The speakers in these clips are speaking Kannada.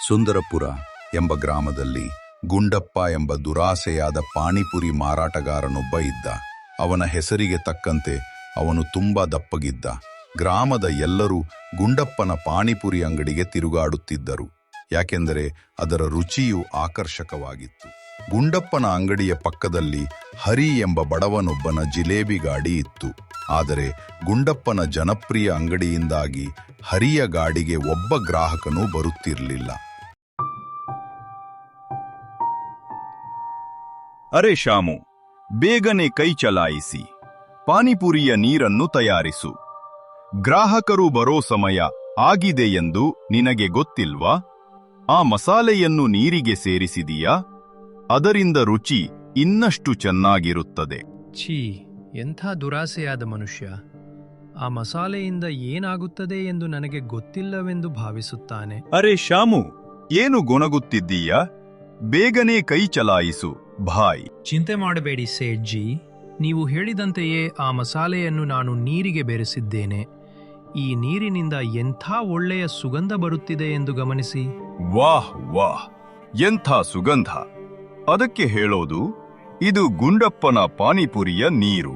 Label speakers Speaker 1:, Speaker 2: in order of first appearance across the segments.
Speaker 1: ಸುಂದರಪುರ ಎಂಬ ಗ್ರಾಮದಲ್ಲಿ ಗುಂಡಪ್ಪ ಎಂಬ ದುರಾಸೆಯಾದ ಪಾನಿಪುರಿ ಮಾರಾಟಗಾರನೊಬ್ಬ ಇದ್ದ. ಅವನ ಹೆಸರಿಗೆ ತಕ್ಕಂತೆ ಅವನು ತುಂಬಾ ದಪ್ಪಗಿದ್ದ. ಗ್ರಾಮದ ಎಲ್ಲರೂ ಗುಂಡಪ್ಪನ ಪಾನಿಪುರಿ ಅಂಗಡಿಗೆ ತಿರುಗಾಡುತ್ತಿದ್ದರು, ಯಾಕೆಂದರೆ ಅದರ ರುಚಿಯು ಆಕರ್ಷಕವಾಗಿತ್ತು. ಗುಂಡಪ್ಪನ ಅಂಗಡಿಯ ಪಕ್ಕದಲ್ಲಿ ಹರಿ ಎಂಬ ಬಡವನೊಬ್ಬನ ಜಿಲೇಬಿ ಗಾಡಿ ಇತ್ತು. ಆದರೆ ಗುಂಡಪ್ಪನ ಜನಪ್ರಿಯ ಅಂಗಡಿಯಿಂದಾಗಿ ಹರಿಯ ಗಾಡಿಗೆ ಒಬ್ಬ ಗ್ರಾಹಕನೂ ಬರುತ್ತಿರಲಿಲ್ಲ.
Speaker 2: ಅರೆ ಶಾಮು, ಬೇಗನೆ ಕೈ ಚಲಾಯಿಸಿ, ಪಾನಿಪುರಿಯ ನೀರನ್ನು ತಯಾರಿಸು. ಗ್ರಾಹಕರು ಬರೋ ಸಮಯ ಆಗಿದೆ ಎಂದು ನಿನಗೆ ಗೊತ್ತಿಲ್ವಾ? ಆ ಮಸಾಲೆಯನ್ನು ನೀರಿಗೆ ಸೇರಿಸಿದೀಯಾ? ಅದರಿಂದ ರುಚಿ ಇನ್ನಷ್ಟು ಚೆನ್ನಾಗಿರುತ್ತದೆ.
Speaker 3: ಛೀ, ಎಂಥ ದುರಾಸೆಯಾದ ಮನುಷ್ಯ! ಆ ಮಸಾಲೆಯಿಂದ ಏನಾಗುತ್ತದೆ ಎಂದು ನನಗೆ ಗೊತ್ತಿಲ್ಲವೆಂದು ಭಾವಿಸುತ್ತಾನೆ.
Speaker 2: ಅರೆ ಶಾಮು, ಏನು ಗೊಣಗುತ್ತಿದ್ದೀಯಾ? ಬೇಗನೆ ಕೈ ಚಲಾಯಿಸು ಭಾಯ್.
Speaker 3: ಚಿಂತೆ ಮಾಡಬೇಡಿ ಸೇಠ್ಜಿ, ನೀವು ಹೇಳಿದಂತೆಯೇ ಆ ಮಸಾಲೆಯನ್ನು ನಾನು ನೀರಿಗೆ ಬೆರೆಸಿದ್ದೇನೆ. ಈ ನೀರಿನಿಂದ ಎಂಥ ಒಳ್ಳೆಯ ಸುಗಂಧ ಬರುತ್ತಿದೆ ಎಂದು ಗಮನಿಸಿ.
Speaker 2: ವಾಹ್ ವಾಹ್, ಎಂಥ ಸುಗಂಧ! ಅದಕ್ಕೆ ಹೇಳೋದು, ಇದು ಗುಂಡಪ್ಪನ ಪಾನಿಪುರಿಯ ನೀರು.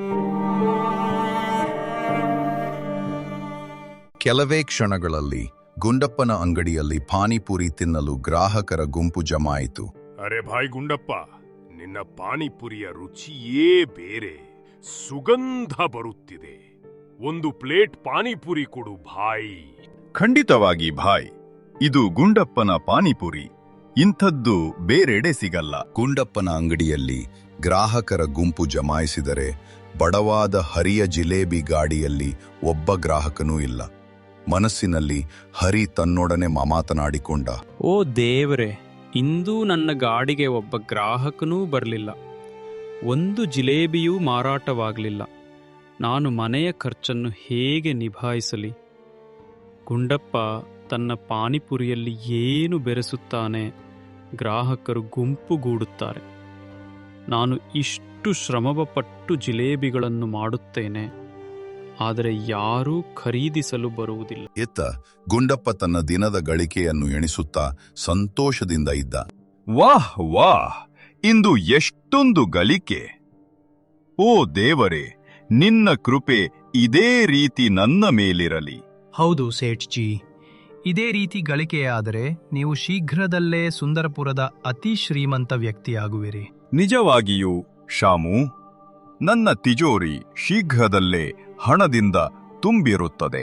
Speaker 1: ಕೆಲವೇ ಕ್ಷಣಗಳಲ್ಲಿ ಗುಂಡಪ್ಪನ ಅಂಗಡಿಯಲ್ಲಿ ಪಾನಿಪುರಿ ತಿನ್ನಲು ಗ್ರಾಹಕರ ಗುಂಪು ಜಮಾಯಿತು.
Speaker 4: ಅರೆ ಭಾಯ್ ಗುಂಡಪ್ಪ, ನಿನ್ನ ಪಾನಿಪುರಿಯ ರುಚಿಯೇ ಬೇರೆ, ಸುಗಂಧ ಬರುತ್ತಿದೆ. ಒಂದು ಪ್ಲೇಟ್ ಪಾನಿಪುರಿ ಕೊಡು ಭಾಯ್.
Speaker 2: ಖಂಡಿತವಾಗಿ ಭಾಯ್, ಇದು ಗುಂಡಪ್ಪನ ಪಾನಿಪುರಿ. ಇಂಥದ್ದು ಬೇರೆಡೆ ಸಿಗಲ್ಲ.
Speaker 1: ಗುಂಡಪ್ಪನ ಅಂಗಡಿಯಲ್ಲಿ ಗ್ರಾಹಕರ ಗುಂಪು ಜಮಾಯಿಸಿದರೆ ಬಡವಾದ ಹರಿಯ ಜಿಲೇಬಿ ಗಾಡಿಯಲ್ಲಿ ಒಬ್ಬ ಗ್ರಾಹಕನೂ ಇಲ್ಲ. ಮನಸ್ಸಿನಲ್ಲಿ ಹರಿ ತನ್ನೊಡನೆ ಮಾತನಾಡಿಕೊಂಡ,
Speaker 5: ಓ ದೇವರೇ, ಇಂದೂ ನನ್ನ ಗಾಡಿಗೆ ಒಬ್ಬ ಗ್ರಾಹಕನೂ ಬರಲಿಲ್ಲ. ಒಂದು ಜಿಲೇಬಿಯೂ ಮಾರಾಟವಾಗಲಿಲ್ಲ. ನಾನು ಮನೆಯ ಖರ್ಚನ್ನು ಹೇಗೆ ನಿಭಾಯಿಸಲಿ? ಗುಂಡಪ್ಪ ತನ್ನ ಪಾನಿಪುರಿಯಲ್ಲಿ ಏನು ಬೆರೆಸುತ್ತಾನೆ? ಗ್ರಾಹಕರು ಗುಂಪುಗೂಡುತ್ತಾರೆ. ನಾನು ಇಷ್ಟು ಶ್ರಮಪಟ್ಟು ಜಿಲೇಬಿಗಳನ್ನು ಮಾಡುತ್ತೇನೆ, ಆದರೆ ಯಾರೂ ಖರೀದಿಸಲು ಬರುವುದಿಲ್ಲ.
Speaker 1: ಎತ್ತ ಗುಂಡಪ್ಪ ತನ್ನ ದಿನದ ಗಳಿಕೆಯನ್ನು ಎಣಿಸುತ್ತಾ ಸಂತೋಷದಿಂದ ಇದ್ದ.
Speaker 2: ವಾಹ್ ವಾಹ್, ಇಂದು ಎಷ್ಟೊಂದು ಗಳಿಕೆ! ಓ ದೇವರೇ, ನಿನ್ನ ಕೃಪೆ ಇದೇ ರೀತಿ ನನ್ನ ಮೇಲಿರಲಿ.
Speaker 3: ಹೌದು ಸೇಠ್ಜಿ, ಇದೇ ರೀತಿ ಗಳಿಕೆಯಾದರೆ ನೀವು ಶೀಘ್ರದಲ್ಲೇ ಸುಂದರಪುರದ ಅತಿ ಶ್ರೀಮಂತ ವ್ಯಕ್ತಿಯಾಗುವಿರಿ.
Speaker 2: ನಿಜವಾಗಿಯೂ ಶಾಮು, ನನ್ನ ತಿಜೋರಿ ಶೀಘ್ರದಲ್ಲೇ ಹಣದಿಂದ ತುಂಬಿರುತ್ತದೆ.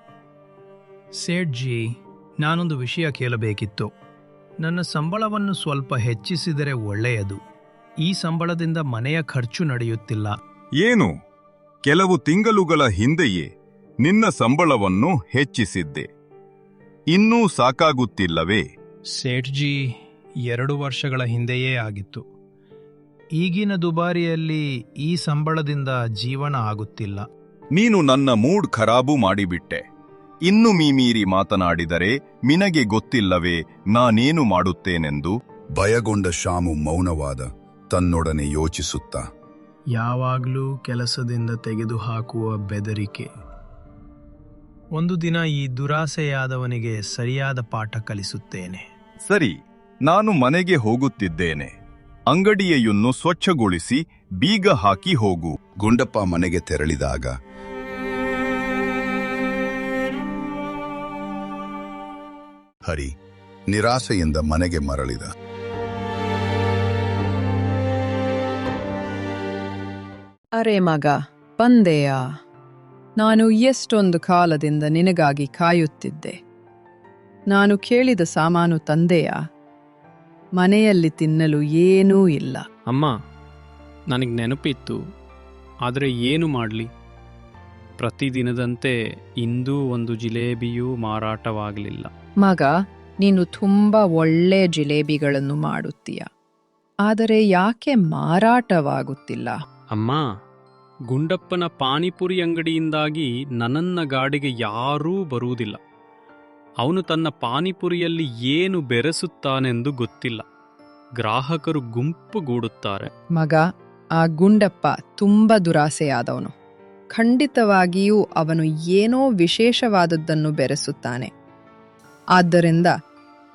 Speaker 3: ಸೇಠ್ಜಿ, ನಾನೊಂದು ವಿಷಯ ಕೇಳಬೇಕಿತ್ತು. ನನ್ನ ಸಂಬಳವನ್ನು ಸ್ವಲ್ಪ ಹೆಚ್ಚಿಸಿದರೆ ಒಳ್ಳೆಯದು. ಈ ಸಂಬಳದಿಂದ ಮನೆಯ ಖರ್ಚು ನಡೆಯುತ್ತಿಲ್ಲ.
Speaker 2: ಏನು? ಕೆಲವು ತಿಂಗಳುಗಳ ಹಿಂದೆಯೇ ನಿನ್ನ ಸಂಬಳವನ್ನು ಹೆಚ್ಚಿಸಿದ್ದೆ, ಇನ್ನೂ ಸಾಕಾಗುತ್ತಿಲ್ಲವೇ?
Speaker 3: ಸೇಠ್ಜಿ, 2 ವರ್ಷಗಳ ಹಿಂದೆಯೇ ಆಗಿತ್ತು. ಈಗಿನ ದುಬಾರಿಯಲ್ಲಿ ಈ ಸಂಬಳದಿಂದ ಜೀವನ ಆಗುತ್ತಿಲ್ಲ.
Speaker 2: ನೀನು ನನ್ನ ಮೂಡ್ ಖರಾಬು ಮಾಡಿಬಿಟ್ಟೆ. ಇನ್ನು ಮೀಮೀರಿ ಮಾತನಾಡಿದರೆ ನಿನಗೆ ಗೊತ್ತಿಲ್ಲವೇ ನಾನೇನು ಮಾಡುತ್ತೇನೆಂದು?
Speaker 1: ಭಯಗೊಂಡ ಶಾಮು ಮೌನವಾದ, ತನ್ನೊಡನೆ ಯೋಚಿಸುತ್ತ.
Speaker 3: ಯಾವಾಗಲೂ ಕೆಲಸದಿಂದ ತೆಗೆದುಹಾಕುವ ಬೆದರಿಕೆ. ಒಂದು ದಿನ ಈ ದುರಾಸೆಯಾದವನಿಗೆ ಸರಿಯಾದ ಪಾಠ ಕಲಿಸುತ್ತೇನೆ.
Speaker 2: ಸರಿ, ನಾನು ಮನೆಗೆ ಹೋಗುತ್ತಿದ್ದೇನೆ. ಅಂಗಡಿಯನ್ನು ಸ್ವಚ್ಛಗೊಳಿಸಿ ಬೀಗ ಹಾಕಿ ಹೋಗು.
Speaker 1: ಗುಂಡಪ್ಪ ಮನೆಗೆ ತೆರಳಿದಾಗ ಹರಿ ನಿರಾಸೆಯಿಂದ ಮನೆಗೆ ಮರಳಿದ.
Speaker 6: ಅರೆ ಮಗ, ಬಂದೆಯಾ? ನಾನು ಎಷ್ಟೊಂದು ಕಾಲದಿಂದ ನಿನಗಾಗಿ ಕಾಯುತ್ತಿದ್ದೆ. ನಾನು ಕೇಳಿದ ಸಾಮಾನು ತಂದೆಯಾ? ಮನೆಯಲ್ಲಿ ತಿನ್ನಲು ಏನೂ ಇಲ್ಲ.
Speaker 5: ಅಮ್ಮ, ನನಗೆ ನೆನಪಿತ್ತು, ಆದರೆ ಏನು ಮಾಡಲಿ? ಪ್ರತಿದಿನದಂತೆ ಇಂದೂ ಒಂದು ಜಿಲೇಬಿಯೂ ಮಾರಾಟವಾಗಲಿಲ್ಲ.
Speaker 6: ಮಗ, ನೀನು ತುಂಬ ಒಳ್ಳೆ ಜಿಲೇಬಿಗಳನ್ನು ಮಾಡುತ್ತೀಯ, ಆದರೆ ಯಾಕೆ ಮಾರಾಟವಾಗುತ್ತಿಲ್ಲ?
Speaker 5: ಅಮ್ಮ, ಗುಂಡಪ್ಪನ ಪಾನಿಪುರಿ ಅಂಗಡಿಯಿಂದಾಗಿ ನನ್ನ ಗಾಡಿಗೆ ಯಾರೂ ಬರುವುದಿಲ್ಲ. ಅವನು ತನ್ನ ಪಾನಿಪುರಿಯಲ್ಲಿ ಏನು ಬೆರೆಸುತ್ತಾನೆಂದು ಗೊತ್ತಿಲ್ಲ. ಗ್ರಾಹಕರು ಗುಂಪುಗೂಡುತ್ತಾರೆ.
Speaker 6: ಮಗ, ಆ ಗುಂಡಪ್ಪ ತುಂಬ ದುರಾಸೆಯಾದವನು. ಖಂಡಿತವಾಗಿಯೂ ಅವನು ಏನೋ ವಿಶೇಷವಾದದ್ದನ್ನು ಬೆರೆಸುತ್ತಾನೆ. ಆದ್ದರಿಂದ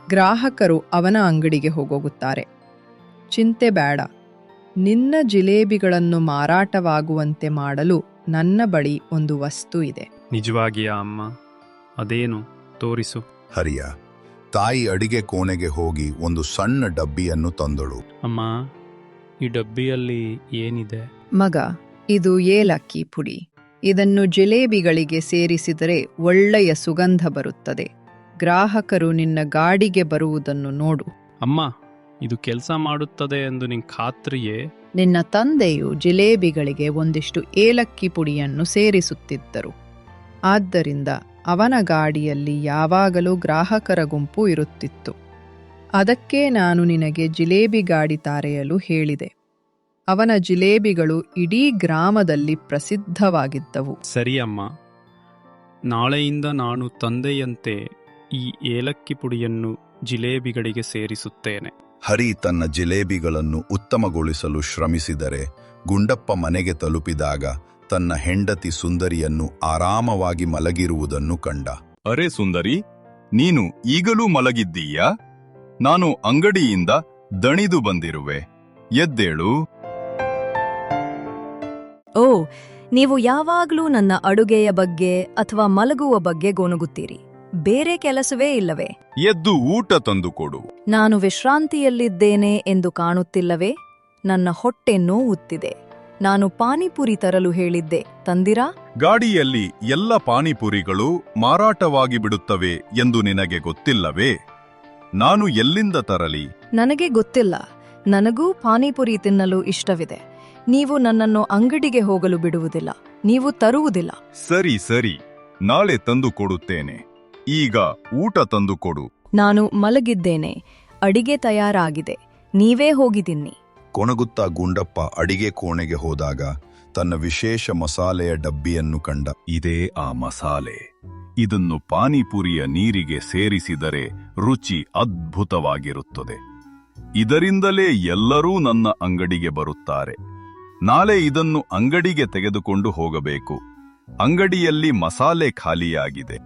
Speaker 6: ಗ್ರಾಹಕರು ಅವನ ಅಂಗಡಿಗೆ ಹೋಗೋಗುತ್ತಾರೆ. ಚಿಂತೆ ಬೇಡ, ನಿನ್ನ ಜಿಲೇಬಿಗಳನ್ನು ಮಾರಾಟವಾಗುವಂತೆ ಮಾಡಲು ನನ್ನ ಬಳಿ ಒಂದು ವಸ್ತು ಇದೆ.
Speaker 5: ನಿಜವಾಗಿಯಾ ಅಮ್ಮ? ಅದೇನು ತೋರಿಸು.
Speaker 1: ಹರಿಯ ತಾಯಿ ಅಡಿಗೆ ಕೋಣೆಗೆ ಹೋಗಿ ಒಂದು ಸಣ್ಣ ಡಬ್ಬಿಯನ್ನು ತಂದಳು.
Speaker 5: ಅಮ್ಮ, ಈ ಡಬ್ಬಿಯಲ್ಲಿ ಏನಿದೆ?
Speaker 6: ಮಗ, ಇದು ಏಲಕ್ಕಿ ಪುಡಿ. ಇದನ್ನು ಜಿಲೇಬಿಗಳಿಗೆ ಸೇರಿಸಿದರೆ ಒಳ್ಳೆಯ ಸುಗಂಧ ಬರುತ್ತದೆ. ಗ್ರಾಹಕರು ನಿನ್ನ ಗಾಡಿಗೆ ಬರುವುದನ್ನು ನೋಡು.
Speaker 5: ಅಮ್ಮ, ಇದು ಕೆಲಸ ಮಾಡುತ್ತದೆ ಎಂದು ನಿಂಗೆ ಖಾತ್ರಿಯೇ?
Speaker 6: ನಿನ್ನ ತಂದೆಯು ಜಿಲೇಬಿಗಳಿಗೆ ಒಂದಿಷ್ಟು ಏಲಕ್ಕಿ ಪುಡಿಯನ್ನು ಸೇರಿಸುತ್ತಿದ್ದರು. ಆದ್ದರಿಂದ ಅವನ ಗಾಡಿಯಲ್ಲಿ ಯಾವಾಗಲೂ ಗ್ರಾಹಕರ ಗುಂಪು ಇರುತ್ತಿತ್ತು. ಅದಕ್ಕೆ ನಾನು ನಿನಗೆ ಜಿಲೇಬಿ ಗಾಡಿ ತಾರೆಯಲು ಹೇಳಿದೆ. ಅವನ ಜಿಲೇಬಿಗಳು ಇಡೀ ಗ್ರಾಮದಲ್ಲಿ ಪ್ರಸಿದ್ಧವಾಗಿದ್ದವು.
Speaker 5: ಸರಿ ಅಮ್ಮ, ನಾಳೆಯಿಂದ ನಾನು ತಂದೆಯಂತೆ ಈ ಏಲಕ್ಕಿ ಪುಡಿಯನ್ನು ಜಿಲೇಬಿಗಳಿಗೆ ಸೇರಿಸುತ್ತೇನೆ.
Speaker 1: ಹರಿ ತನ್ನ ಜಿಲೇಬಿಗಳನ್ನು ಉತ್ತಮಗೊಳಿಸಲು ಶ್ರಮಿಸಿದರೆ ಗುಂಡಪ್ಪ ಮನೆಗೆ ತಲುಪಿದಾಗ ತನ್ನ ಹೆಂಡತಿ ಸುಂದರಿಯನ್ನು ಆರಾಮವಾಗಿ ಮಲಗಿರುವುದನ್ನು ಕಂಡ.
Speaker 2: ಅರೆ ಸುಂದರಿ, ನೀನು ಈಗಲೂ ಮಲಗಿದ್ದೀಯಾ? ನಾನು ಅಂಗಡಿಯಿಂದ ದಣಿದು ಬಂದಿರುವೆ. ಎದ್ದೇಳು.
Speaker 7: ಓ, ನೀವು ಯಾವಾಗ್ಲೂ ನನ್ನ ಅಡುಗೆಯ ಬಗ್ಗೆ ಅಥವಾ ಮಲಗುವ ಬಗ್ಗೆ ಗೋನುಗುತ್ತೀರಿ. ಬೇರೆ ಕೆಲಸವೇ ಇಲ್ಲವೇ?
Speaker 2: ಎದ್ದು ಊಟ ತಂದುಕೊಡು.
Speaker 7: ನಾನು ವಿಶ್ರಾಂತಿಯಲ್ಲಿದ್ದೇನೆ ಎಂದು ಕಾಣುತ್ತಿಲ್ಲವೇ? ನನ್ನ ಹೊಟ್ಟೆ ನೋವುತ್ತಿದೆ. ನಾನು ಪಾನಿಪುರಿ ತರಲು ಹೇಳಿದ್ದೆ, ತಂದಿರಾ?
Speaker 2: ಗಾಡಿಯಲ್ಲಿ ಎಲ್ಲ ಪಾನಿಪುರಿಗಳು ಮಾರಾಟವಾಗಿ ಬಿಡುತ್ತವೆ ಎಂದು ನಿನಗೆ ಗೊತ್ತಿಲ್ಲವೇ? ನಾನು ಎಲ್ಲಿಂದ ತರಲಿ?
Speaker 7: ನನಗೆ ಗೊತ್ತಿಲ್ಲ. ನನಗೂ ಪಾನಿಪುರಿ ತಿನ್ನಲು ಇಷ್ಟವಿದೆ. ನೀವು ನನ್ನನ್ನು ಅಂಗಡಿಗೆ ಹೋಗಲು ಬಿಡುವುದಿಲ್ಲ. ನೀವು ತರುವುದಿಲ್ಲ.
Speaker 2: ಸರಿ ಸರಿ, ನಾಳೆ ತಂದು ಕೊಡುತ್ತೇನೆ. ಈಗ ಊಟ ತಂದುಕೊಡು.
Speaker 7: ನಾನು ಮಲಗಿದ್ದೇನೆ. ಅಡಿಗೆ ತಯಾರಾಗಿದೆ. ನೀವೇ ಹೋಗಿ ತಿನ್ನಿ.
Speaker 1: ಕೊಣಗುತ್ತಾ ಗುಂಡಪ್ಪ ಅಡಿಗೆ ಕೋಣೆಗೆ ಹೋದಾಗ ತನ್ನ ವಿಶೇಷ ಮಸಾಲೆಯ ಡಬ್ಬಿಯನ್ನು ಕಂಡ.
Speaker 2: ಇದೇ ಆ ಮಸಾಲೆ. ಇದನ್ನು ಪಾನಿಪುರಿಯ ನೀರಿಗೆ ಸೇರಿಸಿದರೆ ರುಚಿ ಅದ್ಭುತವಾಗಿರುತ್ತದೆ. ಇದರಿಂದಲೇ ಎಲ್ಲರೂ ನನ್ನ ಅಂಗಡಿಗೆ ಬರುತ್ತಾರೆ. ನಾಳೆ ಇದನ್ನು ಅಂಗಡಿಗೆ ತೆಗೆದುಕೊಂಡು ಹೋಗಬೇಕು. ಅಂಗಡಿಯಲ್ಲಿ ಮಸಾಲೆ ಖಾಲಿಯಾಗಿದೆ.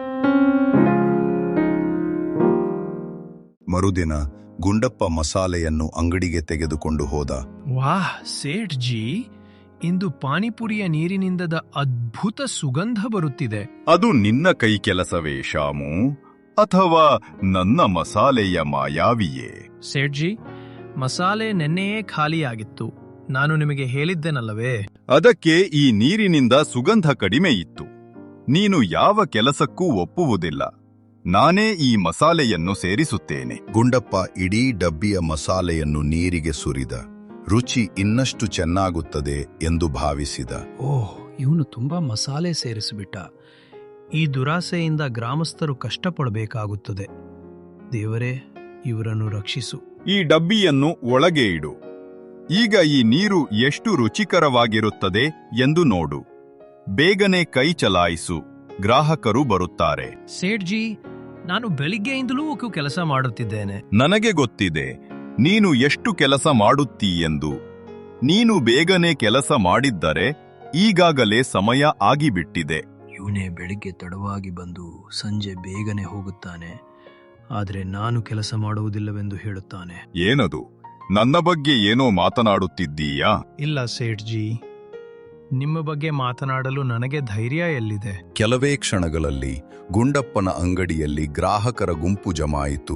Speaker 1: ಮರುದಿನ ಗುಂಡಪ್ಪ ಮಸಾಲೆಯನ್ನು ಅಂಗಡಿಗೆ ತೆಗೆದುಕೊಂಡು ಹೋದ.
Speaker 3: ವಾಹ್ ಸೇಠ್ ಜಿ, ಇಂದು ಪಾನಿಪುರಿಯ ನೀರಿನಿಂದದ ಅದ್ಭುತ ಸುಗಂಧ ಬರುತ್ತಿದೆ.
Speaker 2: ಅದು ನಿನ್ನ ಕೈ ಕೆಲಸವೇ ಶಾಮು, ಅಥವಾ ನನ್ನ ಮಸಾಲೆಯ ಮಾಯಾವಿಯೇ?
Speaker 3: ಸೇಠ್ ಜಿ, ಮಸಾಲೆ ನೆನ್ನೆಯೇ ಖಾಲಿಯಾಗಿತ್ತು. ನಾನು ನಿಮಗೆ ಹೇಳಿದ್ದೆನಲ್ಲವೇ?
Speaker 2: ಅದಕ್ಕೆ ಈ ನೀರಿನಿಂದ ಸುಗಂಧ ಕಡಿಮೆ ಇತ್ತು. ನೀನು ಯಾವ ಕೆಲಸಕ್ಕೂ ಒಪ್ಪುವುದಿಲ್ಲ. ನಾನೇ ಈ ಮಸಾಲೆಯನ್ನು ಸೇರಿಸುತ್ತೇನೆ.
Speaker 1: ಗುಂಡಪ್ಪ ಇಡೀ ಡಬ್ಬಿಯ ಮಸಾಲೆಯನ್ನು ನೀರಿಗೆ ಸುರಿದ. ರುಚಿ ಇನ್ನಷ್ಟು ಚೆನ್ನಾಗುತ್ತದೆ ಎಂದು ಭಾವಿಸಿದ.
Speaker 3: ಓಹ್, ಇವನು ತುಂಬಾ ಮಸಾಲೆ ಸೇರಿಸಿಬಿಟ್ಟ. ಈ ದುರಾಸೆಯಿಂದ ಗ್ರಾಮಸ್ಥರು ಕಷ್ಟಪಡಬೇಕಾಗುತ್ತದೆ. ದೇವರೇ, ಇವರನ್ನು ರಕ್ಷಿಸು.
Speaker 2: ಈ ಡಬ್ಬಿಯನ್ನು ಒಳಗೆ ಇಡು. ಈಗ ಈ ನೀರು ಎಷ್ಟು ರುಚಿಕರವಾಗಿರುತ್ತದೆ ಎಂದು ನೋಡು. ಬೇಗನೆ ಕೈ ಚಲಾಯಿಸು, ಗ್ರಾಹಕರು ಬರುತ್ತಾರೆ.
Speaker 3: ಸೇಠ್ ಜಿ, ನಾನು ಬೆಳಿಗ್ಗೆಯಿಂದಲೂ ಕೆಲಸ ಮಾಡುತ್ತಿದ್ದೇನೆ.
Speaker 2: ನನಗೆ ಗೊತ್ತಿದೆ ನೀನು ಎಷ್ಟು ಕೆಲಸ ಮಾಡುತ್ತೀಯೆಂದು. ನೀನು ಬೇಗನೆ ಕೆಲಸ ಮಾಡಿದ್ದರೆ ಈಗಾಗಲೇ ಸಮಯ ಆಗಿಬಿಟ್ಟಿದೆ.
Speaker 3: ಇವನೇ ಬೆಳಿಗ್ಗೆ ತಡವಾಗಿ ಬಂದು ಸಂಜೆ ಬೇಗನೆ ಹೋಗುತ್ತಾನೆ. ಆದರೆ ನಾನು ಕೆಲಸ ಮಾಡುವುದಿಲ್ಲವೆಂದು ಹೇಳುತ್ತಾನೆ.
Speaker 2: ಏನದು? ನನ್ನ ಬಗ್ಗೆ ಏನೋ ಮಾತನಾಡುತ್ತಿದ್ದೀಯಾ?
Speaker 3: ಇಲ್ಲ ಸೇಠ್ ಜಿ, ನಿಮ್ಮ ಬಗ್ಗೆ ಮಾತನಾಡಲು ನನಗೆ ಧೈರ್ಯ ಎಲ್ಲಿದೆ?
Speaker 1: ಕೆಲವೇ ಕ್ಷಣಗಳಲ್ಲಿ ಗುಂಡಪ್ಪನ ಅಂಗಡಿಯಲ್ಲಿ ಗ್ರಾಹಕರ ಗುಂಪು ಜಮಾಯಿತು.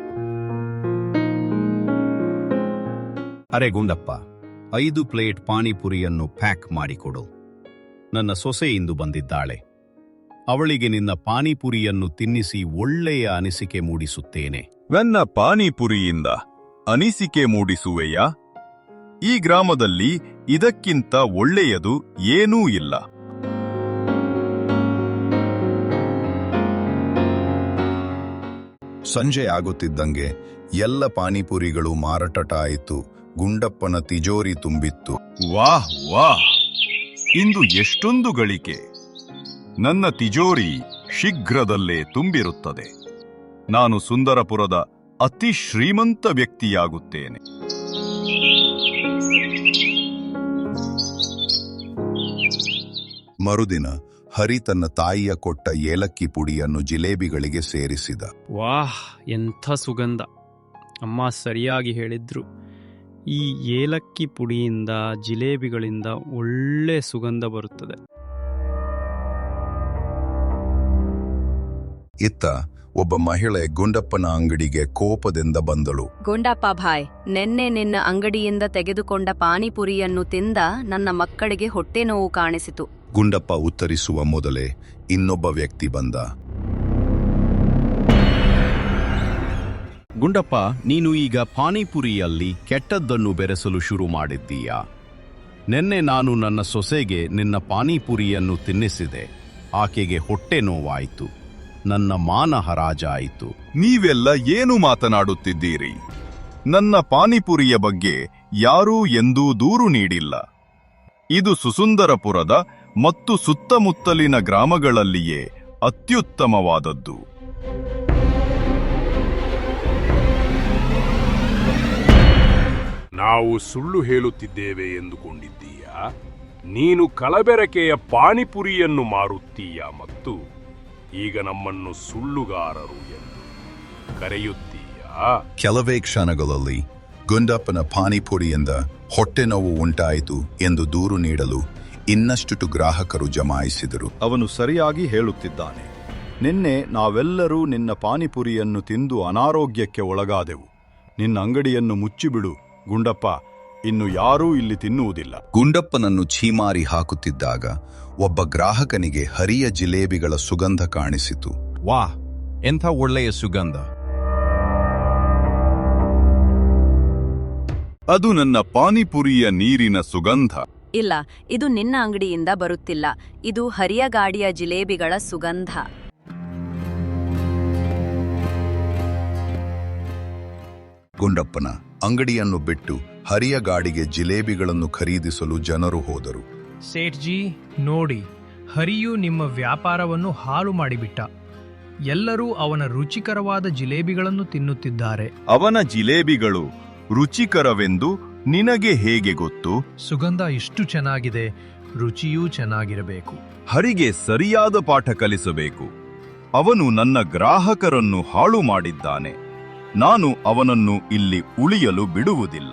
Speaker 8: ಅರೆ ಗುಂಡಪ್ಪ, 5 ಪ್ಲೇಟ್ ಪಾನಿಪುರಿಯನ್ನು ಪ್ಯಾಕ್ ಮಾಡಿಕೊಡು. ನನ್ನ ಸೊಸೆ ಇಂದು ಬಂದಿದ್ದಾಳೆ. ಅವಳಿಗೆ ನಿನ್ನ ಪಾನಿಪುರಿಯನ್ನು ತಿನ್ನಿಸಿ ಒಳ್ಳೆಯ ಅನಿಸಿಕೆ ಮೂಡಿಸುತ್ತೇನೆ.
Speaker 2: ನನ್ನ ಪಾನಿಪುರಿಯಿಂದ ಅನಿಸಿಕೆ ಮೂಡಿಸುವೆಯಾ? ಈ ಗ್ರಾಮದಲ್ಲಿ ಇದಕ್ಕಿಂತ ಒಳ್ಳೆಯದು ಏನೂ ಇಲ್ಲ.
Speaker 1: ಸಂಜೆ ಆಗುತ್ತಿದ್ದಂಗೆ ಎಲ್ಲ ಪಾನಿಪುರಿಗಳು ಮಾರಾಟವಾಯಿತು. ಗುಂಡಪ್ಪನ ತಿಜೋರಿ ತುಂಬಿತ್ತು.
Speaker 2: ವಾಹ್ ವಾಹ್, ಇಂದು ಎಷ್ಟೊಂದು ಗಳಿಕೆ! ನನ್ನ ತಿಜೋರಿ ಶೀಘ್ರದಲ್ಲೇ ತುಂಬಿರುತ್ತದೆ. ನಾನು ಸುಂದರಪುರದ ಅತಿ ಶ್ರೀಮಂತ ವ್ಯಕ್ತಿಯಾಗುತ್ತೇನೆ.
Speaker 1: ಮರುದಿನ ಹರಿ ತನ್ನ ತಾಯಿಯ ಕೊಟ್ಟ ಏಲಕ್ಕಿ ಪುಡಿಯನ್ನು ಜಿಲೇಬಿಗಳಿಗೆ ಸೇರಿಸಿದ.
Speaker 5: ವಾಹ್, ಎಂಥ ಸುಗಂಧ! ಅಮ್ಮ ಸರಿಯಾಗಿ ಹೇಳಿದ್ರು. ಈ ಏಲಕ್ಕಿ ಪುಡಿಯಿಂದ ಜಿಲೇಬಿಗಳಿಂದ ಒಳ್ಳೆ ಸುಗಂಧ ಬರುತ್ತದೆ.
Speaker 1: ಇತ್ತ ಒಬ್ಬ ಮಹಿಳೆ ಗುಂಡಪ್ಪನ ಅಂಗಡಿಗೆ ಕೋಪದಿಂದ ಬಂದಳು.
Speaker 9: ಗುಂಡಪ್ಪ ಭಾಯ್, ನೆನ್ನೆ ನಿನ್ನ ಅಂಗಡಿಯಿಂದ ತೆಗೆದುಕೊಂಡ ಪಾನಿಪುರಿಯನ್ನು ತಿಂದ ನನ್ನ ಮಕ್ಕಳಿಗೆ ಹೊಟ್ಟೆ ನೋವು ಕಾಣಿಸಿತು.
Speaker 1: ಗುಂಡಪ್ಪ ಉತ್ತರಿಸುವ ಮೊದಲೇ ಇನ್ನೊಬ್ಬ ವ್ಯಕ್ತಿ ಬಂದ.
Speaker 8: ಗುಂಡಪ್ಪ, ನೀನು ಈಗ ಪಾನಿಪುರಿಯಲ್ಲಿ ಕೆಟ್ಟದ್ದನ್ನು ಬೆರೆಸಲು ಶುರು ಮಾಡಿದ್ದೀಯಾ? ನಿನ್ನೆ ನಾನು ನನ್ನ ಸೊಸೆಗೆ ನಿನ್ನ ಪಾನಿಪುರಿಯನ್ನು ತಿನ್ನಿಸಿದೆ. ಆಕೆಗೆ ಹೊಟ್ಟೆ ನೋವಾಯಿತು. ನನ್ನ ಮಾನ ಹರಾಜಾಯಿತು.
Speaker 2: ನೀವೆಲ್ಲ ಏನು ಮಾತನಾಡುತ್ತಿದ್ದೀರಿ? ನನ್ನ ಪಾನಿಪುರಿಯ ಬಗ್ಗೆ ಯಾರೂ ಎಂದೂ ದೂರು ನೀಡಿಲ್ಲ. ಇದು ಸುಸುಂದರಪುರದ ಮತ್ತು ಸುತ್ತಮುತ್ತಲಿನ ಗ್ರಾಮಗಳಲ್ಲಿಯೇ ಅತ್ಯುತ್ತಮವಾದದ್ದು.
Speaker 4: ನಾವು ಸುಳ್ಳು ಹೇಳುತ್ತಿದ್ದೇವೆ ಎಂದುಕೊಂಡಿದ್ದೀಯಾ? ನೀನು ಕಲಬೆರಕೆಯ ಪಾನಿಪುರಿಯನ್ನು ಮಾರುತ್ತೀಯಾ ಮತ್ತು ಈಗ ನಮ್ಮನ್ನು ಸುಳ್ಳುಗಾರರು ಎಂದು ಕರೆಯುತ್ತೀಯಾ?
Speaker 1: ಕೆಲವೇ ಕ್ಷಣಗಳಲ್ಲಿ ಗುಂಡಪ್ಪನ ಪಾನಿಪುರಿಯಿಂದ ಹೊಟ್ಟೆ ನೋವು ಉಂಟಾಯಿತು ಎಂದು ದೂರು ನೀಡಲು ಇನ್ನಷ್ಟು ಗ್ರಾಹಕರು ಜಮಾಯಿಸಿದರು.
Speaker 2: ಅವನು ಸರಿಯಾಗಿ ಹೇಳುತ್ತಿದ್ದಾನೆ. ನಿನ್ನೆ ನಾವೆಲ್ಲರೂ ನಿನ್ನ ಪಾನಿಪುರಿಯನ್ನು ತಿಂದು ಅನಾರೋಗ್ಯಕ್ಕೆ ಒಳಗಾದೆವು. ನಿನ್ನ ಅಂಗಡಿಯನ್ನು ಮುಚ್ಚಿಬಿಡು ಗುಂಡಪ್ಪ, ಇನ್ನು ಯಾರೂ ಇಲ್ಲಿ ತಿನ್ನುವುದಿಲ್ಲ.
Speaker 1: ಗುಂಡಪ್ಪನನ್ನು ಛೀಮಾರಿ ಹಾಕುತ್ತಿದ್ದಾಗ ಒಬ್ಬ ಗ್ರಾಹಕನಿಗೆ ಹರಿಯ ಜಿಲೇಬಿಗಳ ಸುಗಂಧ ಕಾಣಿಸಿತು.
Speaker 2: ವಾಹ್, ಎಂಥ ಒಳ್ಳೆಯ ಸುಗಂಧ! ಅದು ನನ್ನ ಪಾನಿಪುರಿಯ ನೀರಿನ ಸುಗಂಧ.
Speaker 9: ಇಲ್ಲ, ಇದು ನಿನ್ನ ಅಂಗಡಿಯಿಂದ ಬರುತ್ತಿಲ್ಲ. ಇದು ಹರಿಯ ಗಾಡಿಯ ಜಿಲೇಬಿಗಳ ಸುಗಂಧ.
Speaker 1: ಗುಂಡಪ್ಪನ ಅಂಗಡಿಯನ್ನು ಬಿಟ್ಟು ಹರಿಯ ಗಾಡಿಗೆ ಜಿಲೇಬಿಗಳನ್ನು ಖರೀದಿಸಲು ಜನರು ಹೋದರು.
Speaker 3: ಸೇಠ್ಜಿ, ನೋಡಿ, ಹರಿಯು ನಿಮ್ಮ ವ್ಯಾಪಾರವನ್ನು ಹಾಳು ಮಾಡಿಬಿಟ್ಟ. ಎಲ್ಲರೂ ಅವನ ರುಚಿಕರವಾದ ಜಿಲೇಬಿಗಳನ್ನು ತಿನ್ನುತ್ತಿದ್ದಾರೆ.
Speaker 2: ಅವನ ಜಿಲೇಬಿಗಳು ರುಚಿಕರವೆಂದು ನಿನಗೆ ಹೇಗೆ ಗೊತ್ತು?
Speaker 3: ಸುಗಂಧ ಇಷ್ಟು ಚೆನ್ನಾಗಿದೆ, ರುಚಿಯೂ ಚೆನ್ನಾಗಿರಬೇಕು.
Speaker 2: ಹರಿಗೆ ಸರಿಯಾದ ಪಾಠ ಕಲಿಸಬೇಕು. ಅವನು ನನ್ನ ಗ್ರಾಹಕರನ್ನು ಹಾಳು ಮಾಡಿದ್ದಾನೆ. ನಾನು ಅವನನ್ನು ಇಲ್ಲಿ ಉಳಿಯಲು ಬಿಡುವುದಿಲ್ಲ.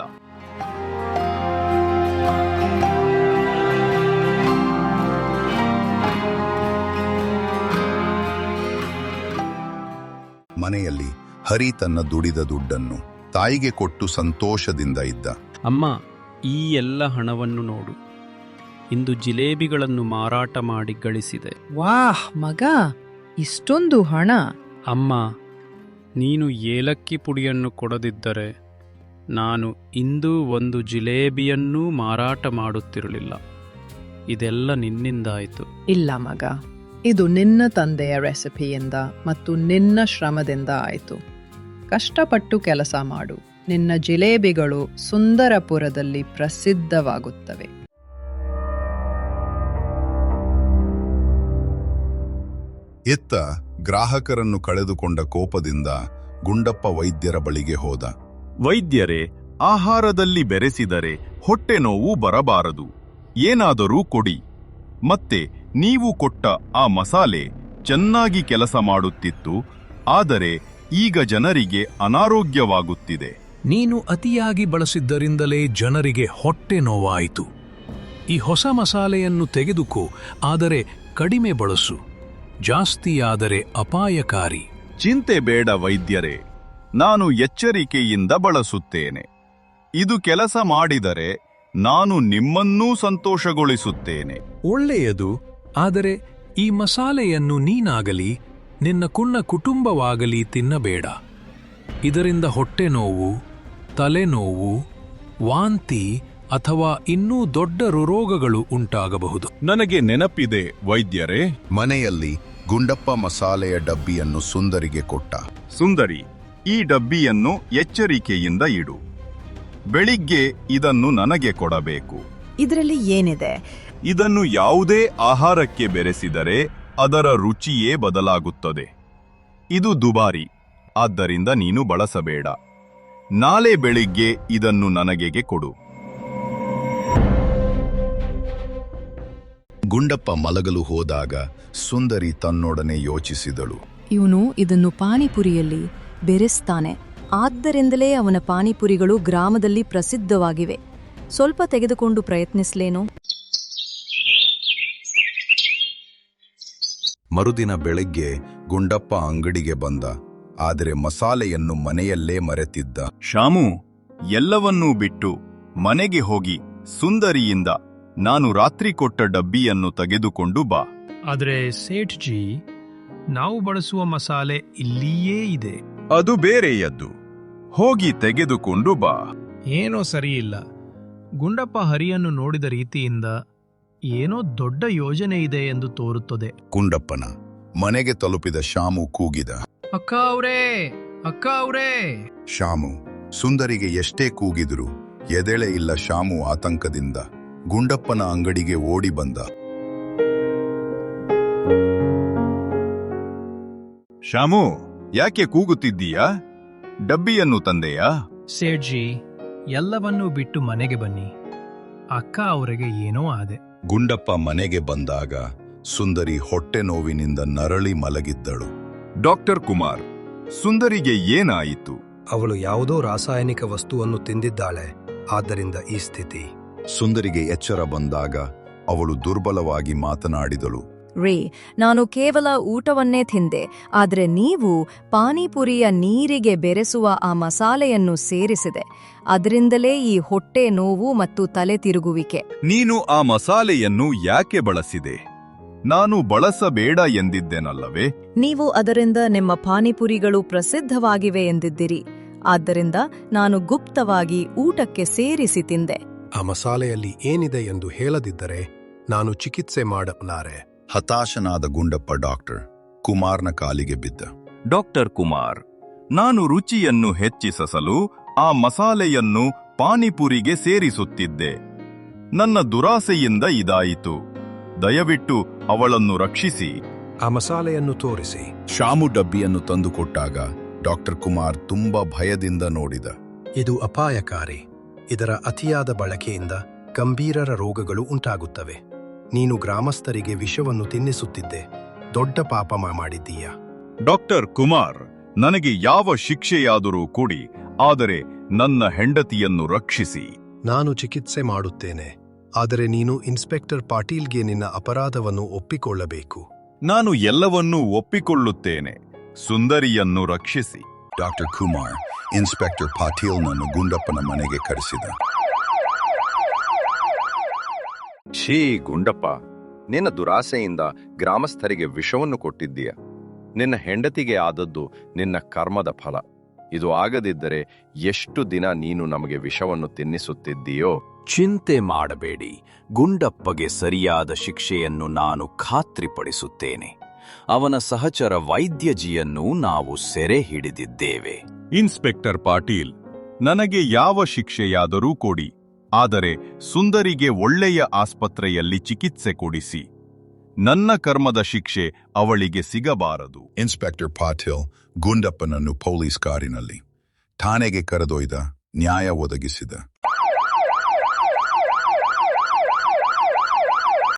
Speaker 1: ಮನೆಯಲ್ಲಿ ಹರಿ ತನ್ನ ದುಡಿದ ದುಡ್ಡನ್ನು ತಾಯಿಗೆ ಕೊಟ್ಟು ಸಂತೋಷದಿಂದ ಇದ್ದ.
Speaker 5: ಅಮ್ಮ, ಈ ಎಲ್ಲ ಹಣವನ್ನು ನೋಡು. ಇಂದು ಜಿಲೇಬಿಗಳನ್ನು ಮಾರಾಟ ಮಾಡಿ ಗಳಿಸಿದೆ.
Speaker 6: ವಾಹ್ ಮಗ, ಇಷ್ಟೊಂದು ಹಣ!
Speaker 5: ಅಮ್ಮ, ನೀನು ಏಲಕ್ಕಿ ಪುಡಿಯನ್ನು ಕೊಡದಿದ್ದರೆ ನಾನು ಇಂದು ಒಂದು ಜಿಲೇಬಿಯನ್ನೂ ಮಾರಾಟ ಮಾಡುತ್ತಿರಲಿಲ್ಲ. ಇದೆಲ್ಲ ನಿನ್ನಿಂದಾಯಿತು.
Speaker 6: ಇಲ್ಲ ಮಗ, ಇದು ನಿನ್ನ ತಂದೆಯ ರೆಸಿಪಿಯಿಂದ ಮತ್ತು ನಿನ್ನ ಶ್ರಮದಿಂದ ಆಯಿತು. ಕಷ್ಟಪಟ್ಟು ಕೆಲಸ ಮಾಡು, ನಿನ್ನ ಜಿಲೇಬಿಗಳು ಸುಂದರಪುರದಲ್ಲಿ ಪ್ರಸಿದ್ಧವಾಗುತ್ತವೆ.
Speaker 1: ಇತ್ತ ಗ್ರಾಹಕರನ್ನು ಕಳೆದುಕೊಂಡ ಕೋಪದಿಂದ ಗುಂಡಪ್ಪ ವೈದ್ಯರ ಬಳಿಗೆ ಹೋದ.
Speaker 2: ವೈದ್ಯರೇ, ಆಹಾರದಲ್ಲಿ ಬೆರೆಸಿದರೆ ಹೊಟ್ಟೆ ನೋವು ಬರಬಾರದು. ಏನಾದರೂ ಕೊಡಿ. ಮತ್ತೆ ನೀವು ಕೊಟ್ಟ ಆ ಮಸಾಲೆ ಚೆನ್ನಾಗಿ ಕೆಲಸ ಮಾಡುತ್ತಿತ್ತು, ಆದರೆ ಈಗ ಜನರಿಗೆ ಅನಾರೋಗ್ಯವಾಗುತ್ತಿದೆ.
Speaker 10: ನೀನು ಅತಿಯಾಗಿ ಬಳಸಿದ್ದರಿಂದಲೇ ಜನರಿಗೆ ಹೊಟ್ಟೆ ನೋವಾಯಿತು. ಈ ಹೊಸ ಮಸಾಲೆಯನ್ನು ತೆಗೆದುಕೋ, ಆದರೆ ಕಡಿಮೆ ಬಳಸು. ಜಾಸ್ತಿಯಾದರೆ ಅಪಾಯಕಾರಿ.
Speaker 2: ಚಿಂತೆ ಬೇಡ ವೈದ್ಯರೇ, ನಾನು ಎಚ್ಚರಿಕೆಯಿಂದ ಬಳಸುತ್ತೇನೆ. ಇದು ಕೆಲಸ ಮಾಡಿದರೆ ನಾನು ನಿಮ್ಮನ್ನೂ ಸಂತೋಷಗೊಳಿಸುತ್ತೇನೆ.
Speaker 10: ಒಳ್ಳೆಯದು, ಆದರೆ ಈ ಮಸಾಲೆಯನ್ನು ನೀನಾಗಲಿ ನಿನ್ನ ಕುಟುಂಬವಾಗಲಿ ತಿನ್ನಬೇಡ. ಇದರಿಂದ ಹೊಟ್ಟೆ ನೋವು, ತಲೆನೋವು, ವಾಂತಿ ಅಥವಾ ಇನ್ನೂ ದೊಡ್ಡ ರೋಗಗಳು ಉಂಟಾಗಬಹುದು.
Speaker 2: ನನಗೆ ನೆನಪಿದೆ ವೈದ್ಯರೇ.
Speaker 1: ಮನೆಯಲ್ಲಿ ಗುಂಡಪ್ಪ ಮಸಾಲೆಯ ಡಬ್ಬಿಯನ್ನು ಸುಂದರಿಗೆ ಕೊಟ್ಟ.
Speaker 2: ಸುಂದರಿ, ಈ ಡಬ್ಬಿಯನ್ನು ಎಚ್ಚರಿಕೆಯಿಂದ ಇಡು. ಬೆಳಿಗ್ಗೆ ಇದನ್ನು ನನಗೆ ಕೊಡಬೇಕು.
Speaker 7: ಇದರಲ್ಲಿ ಏನಿದೆ?
Speaker 2: ಇದನ್ನು ಯಾವುದೇ ಆಹಾರಕ್ಕೆ ಬೆರೆಸಿದರೆ ಅದರ ರುಚಿಯೇ ಬದಲಾಗುತ್ತದೆ. ಇದು ದುಬಾರಿ, ಆದ್ದರಿಂದ ನೀನು ಬಳಸಬೇಡ. ನಾಳೆ ಬೆಳಿಗ್ಗೆ ಇದನ್ನು ನನಗೆ ಕೊಡು.
Speaker 1: ಗುಂಡಪ್ಪ ಮಲಗಲು ಹೋದಾಗ ಸುಂದರಿ ತನ್ನೊಡನೆ ಯೋಚಿಸಿದಳು.
Speaker 7: ಇವನು ಇದನ್ನು ಪಾನಿಪುರಿಯಲ್ಲಿ ಬೆರೆಸ್ತಾನೆ. ಆದ್ದರಿಂದಲೇ ಅವನ ಪಾನಿಪುರಿಗಳು ಗ್ರಾಮದಲ್ಲಿ ಪ್ರಸಿದ್ಧವಾಗಿವೆ. ಸ್ವಲ್ಪ ತೆಗೆದುಕೊಂಡು ಪ್ರಯತ್ನಿಸ್ಲೇನೋ.
Speaker 1: ಮರುದಿನ ಬೆಳಗ್ಗೆ ಗುಂಡಪ್ಪ ಅಂಗಡಿಗೆ ಬಂದ. ಆದರೆ ಮಸಾಲೆಯನ್ನು ಮನೆಯಲ್ಲೇ ಮರೆತಿದ್ದ.
Speaker 2: ಶಾಮು, ಎಲ್ಲವನ್ನೂ ಬಿಟ್ಟು ಮನೆಗೆ ಹೋಗಿ ಸುಂದರಿಯಿಂದ ನಾನು ರಾತ್ರಿ ಕೊಟ್ಟ ಡಬ್ಬಿಯನ್ನು ತೆಗೆದುಕೊಂಡು ಬಾ.
Speaker 3: ಆದರೆ ಸೇಠ್ಜಿ, ನಾವು ಬಳಸುವ ಮಸಾಲೆ ಇಲ್ಲಿಯೇ ಇದೆ.
Speaker 2: ಅದು ಬೇರೆಯದ್ದು. ಹೋಗಿ ತೆಗೆದುಕೊಂಡು ಬಾ.
Speaker 3: ಏನೋ ಸರಿಯಿಲ್ಲ. ಗುಂಡಪ್ಪ ಹರಿಯನ್ನು ನೋಡಿದ ರೀತಿಯಿಂದ ಏನೋ ದೊಡ್ಡ ಯೋಜನೆ ಇದೆ ಎಂದು ತೋರುತ್ತದೆ.
Speaker 1: ಗುಂಡಪ್ಪನ ಮನೆಗೆ ತಲುಪಿದ ಶಾಮು ಕೂಗಿದ.
Speaker 3: ಅಕ್ಕ ಅವ್ರೇ, ಅಕ್ಕ ಅವ್ರೇ.
Speaker 1: ಶಾಮು ಸುಂದರಿಗೆ ಎಷ್ಟೇ ಕೂಗಿದ್ರು ಎದೆಳೆ ಇಲ್ಲ. ಶಾಮು ಆತಂಕದಿಂದ ಗುಂಡಪ್ಪನ ಅಂಗಡಿಗೆ ಓಡಿ ಬಂದ.
Speaker 2: ಶಾಮು, ಯಾಕೆ ಕೂಗುತ್ತಿದ್ದೀಯಾ? ಡಬ್ಬಿಯನ್ನು ತಂದೆಯಾ?
Speaker 3: ಸೇಠ್ಜಿ, ಎಲ್ಲವನ್ನೂ ಬಿಟ್ಟು ಮನೆಗೆ ಬನ್ನಿ. ಅಕ್ಕ ಅವರಿಗೆ ಏನೋ ಆದೆ.
Speaker 1: ಗುಂಡಪ್ಪ ಮನೆಗೆ ಬಂದಾಗ ಸುಂದರಿ ಹೊಟ್ಟೆ ನೋವಿನಿಂದ ನರಳಿ ಮಲಗಿದ್ದಳು.
Speaker 2: ಡಾಕ್ಟರ್ ಕುಮಾರ್, ಸುಂದರಿಗೆ ಏನಾಯಿತು?
Speaker 11: ಅವಳು ಯಾವುದೋ ರಾಸಾಯನಿಕ ವಸ್ತುವನ್ನು ತಿಂದಿದ್ದಾಳೆ. ಆದ್ದರಿಂದ ಈ ಸ್ಥಿತಿ.
Speaker 1: ಸುಂದರಿಗೆ ಎಚ್ಚರ ಬಂದಾಗ ಅವಳು ದುರ್ಬಲವಾಗಿ ಮಾತನಾಡಿದಳು.
Speaker 7: ರೇ, ನಾನು ಕೇವಲ ಊಟವನ್ನೇ ತಿಂದೆ. ಆದರೆ ನೀವು ಪಾನಿಪುರಿಯ ನೀರಿಗೆ ಬೆರೆಸುವ ಆ ಮಸಾಲೆಯನ್ನು ಸೇರಿಸಿದೆ. ಅದರಿಂದಲೇ ಈ ಹೊಟ್ಟೆ ನೋವು ಮತ್ತು ತಲೆ ತಿರುಗುವಿಕೆ.
Speaker 2: ನೀನು ಆ ಮಸಾಲೆಯನ್ನು ಯಾಕೆ ಬಳಸಿದೆ? ನಾನು ಬಳಸಬೇಡ ಎಂದಿದ್ದೇನಲ್ಲವೇ?
Speaker 7: ನೀವು ಅದರಿಂದ ನಿಮ್ಮ ಪಾನಿಪುರಿಗಳು ಪ್ರಸಿದ್ಧವಾಗಿವೆ ಎಂದಿದ್ದಿರಿ. ಆದ್ದರಿಂದ ನಾನು ಗುಪ್ತವಾಗಿ ಊಟಕ್ಕೆ ಸೇರಿಸಿ ತಿಂದೆ.
Speaker 11: ಆ ಮಸಾಲೆಯಲ್ಲಿ ಏನಿದೆ ಎಂದು ಹೇಳದಿದ್ದರೆ ನಾನು ಚಿಕಿತ್ಸೆ ಮಾಡಲಾರೆ.
Speaker 1: ಹತಾಶನಾದ ಗುಂಡಪ್ಪ ಡಾಕ್ಟರ್ ಕುಮಾರ್ನ ಕಾಲಿಗೆ ಬಿದ್ದ.
Speaker 2: ಡಾಕ್ಟರ್ ಕುಮಾರ್, ನಾನು ರುಚಿಯನ್ನು ಹೆಚ್ಚಿಸಲು ಆ ಮಸಾಲೆಯನ್ನು ಪಾನಿಪುರಿಗೆ ಸೇರಿಸುತ್ತಿದ್ದೆ. ನನ್ನ ದುರಾಸೆಯಿಂದ ಇದಾಯಿತು. ದಯವಿಟ್ಟು ಅವಳನ್ನು ರಕ್ಷಿಸಿ.
Speaker 11: ಆ ಮಸಾಲೆಯನ್ನು ತೋರಿಸಿ.
Speaker 1: ಶಾಮು ಡಬ್ಬಿಯನ್ನು ತಂದುಕೊಟ್ಟಾಗ ಡಾಕ್ಟರ್ ಕುಮಾರ್ ತುಂಬಾ ಭಯದಿಂದ ನೋಡಿದ.
Speaker 11: ಇದು ಅಪಾಯಕಾರಿ. ಇದರ ಅತಿಯಾದ ಬಳಕೆಯಿಂದ ಗಂಭೀರ ರೋಗಗಳು ಉಂಟಾಗುತ್ತವೆ. ನೀನು ಗ್ರಾಮಸ್ಥರಿಗೆ ವಿಷವನ್ನು ತಿನ್ನಿಸುತ್ತಿದ್ದೆ. ದೊಡ್ಡ ಪಾಪ ಮಾಡಿದ್ದೀಯ.
Speaker 2: ಡಾಕ್ಟರ್ ಕುಮಾರ್, ನನಗೆ ಯಾವ ಶಿಕ್ಷೆಯಾದರೂ ಕೊಡಿ, ಆದರೆ ನನ್ನ ಹೆಂಡತಿಯನ್ನು ರಕ್ಷಿಸಿ.
Speaker 11: ನಾನು ಚಿಕಿತ್ಸೆ ಮಾಡುತ್ತೇನೆ. ಆದರೆ ನೀನು ಇನ್ಸ್ಪೆಕ್ಟರ್ ಪಾಟೀಲ್ಗೆ ನಿನ್ನ ಅಪರಾಧವನ್ನು ಒಪ್ಪಿಕೊಳ್ಳಬೇಕು.
Speaker 2: ನಾನು ಎಲ್ಲವನ್ನೂ ಒಪ್ಪಿಕೊಳ್ಳುತ್ತೇನೆ. ಸುಂದರಿಯನ್ನು ರಕ್ಷಿಸಿ.
Speaker 1: ಡಾಕ್ಟರ್ ಕುಮಾರ್ ಇನ್ಸ್ಪೆಕ್ಟರ್ ಪಾಟೀಲ್ನನ್ನು ಗುಂಡಪ್ಪನ ಮನೆಗೆ ಕರೆಸಿದ.
Speaker 12: ಛೀ ಗುಂಡಪ್ಪ, ನಿನ್ನ ದುರಾಸೆಯಿಂದ ಗ್ರಾಮಸ್ಥರಿಗೆ ವಿಷವನ್ನು ಕೊಟ್ಟಿದ್ದೀಯ. ನಿನ್ನ ಹೆಂಡತಿಗೆ ಆದದ್ದು ನಿನ್ನ ಕರ್ಮದ ಫಲ. ಇದು ಆಗದಿದ್ದರೆ ಎಷ್ಟು ದಿನ ನೀನು ನಮಗೆ ವಿಷವನ್ನು ತಿನ್ನಿಸುತ್ತಿದ್ದೀಯೋ.
Speaker 8: ಚಿಂತೆ ಮಾಡಬೇಡಿ. ಗುಂಡಪ್ಪಗೆ ಸರಿಯಾದ ಶಿಕ್ಷೆಯನ್ನು ನಾನು ಖಾತ್ರಿಪಡಿಸುತ್ತೇನೆ. ಅವನ ಸಹಚರ ವೈದ್ಯಜಿಯನ್ನು ನಾವು ಸೆರೆ ಹಿಡಿದಿದ್ದೇವೆ.
Speaker 2: ಇನ್ಸ್ಪೆಕ್ಟರ್ ಪಾಟೀಲ್, ನನಗೆ ಯಾವ ಶಿಕ್ಷೆಯಾದರೂ ಕೊಡಿ, ಆದರೆ ಸುಂದರಿಗೆ ಒಳ್ಳೆಯ ಆಸ್ಪತ್ರೆಯಲ್ಲಿ ಚಿಕಿತ್ಸೆ ಕೊಡಿಸಿ. ನನ್ನ ಕರ್ಮದ ಶಿಕ್ಷೆ ಅವಳಿಗೆ ಸಿಗಬಾರದು.
Speaker 1: ಇನ್ಸ್ಪೆಕ್ಟರ್ ಪಾಟೀಲ್ ಗುಂಡಪ್ಪನನ್ನು ಪೊಲೀಸ್ ಕಾರಿನಲ್ಲಿ ಠಾಣೆಗೆ ಕರೆದೊಯ್ದ, ನ್ಯಾಯ ಒದಗಿಸಿದ.